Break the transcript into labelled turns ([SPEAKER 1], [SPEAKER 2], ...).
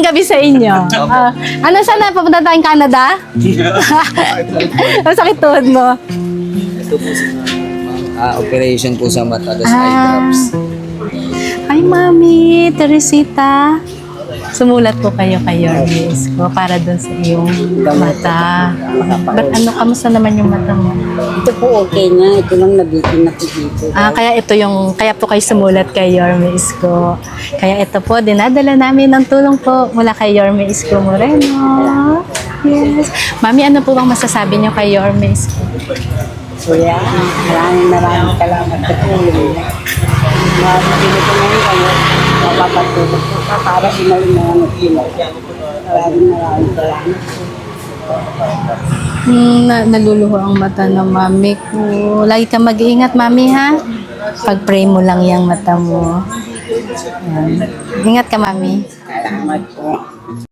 [SPEAKER 1] magandang gabi sa inyo. Ano sana, papunta tayong Canada? Ang sakit tuhod mo.
[SPEAKER 2] Ito po sa operation po sa mata, das eye drops.
[SPEAKER 1] Hi, Mami, Teresita. Sumulat po kayo kay Yormis ko para dun sa iyong mata. Ba't kamusta naman yung mata mo?
[SPEAKER 3] Ito po okay na. Ito lang nabitin na po dito.
[SPEAKER 1] Kaya po kayo sumulat kay Yormis ko. Kaya ito po, dinadala namin ng tulong po mula kay Yormis ko Moreno. Yes. Mami, ano po bang masasabi niyo kay Yormis ko?
[SPEAKER 3] Kuya, maraming salamat sa tulong. Mabibili ko ngayon kayo. Mapapatulog po ka para sinayin na ang sila. Maraming salamat.
[SPEAKER 1] Naluluho ang mata ng mami ko. Lagi ka mag-iingat, mami, ha? Pag-pray mo lang yung mata mo. Yan. Ingat ka, mami.
[SPEAKER 3] Salamat po.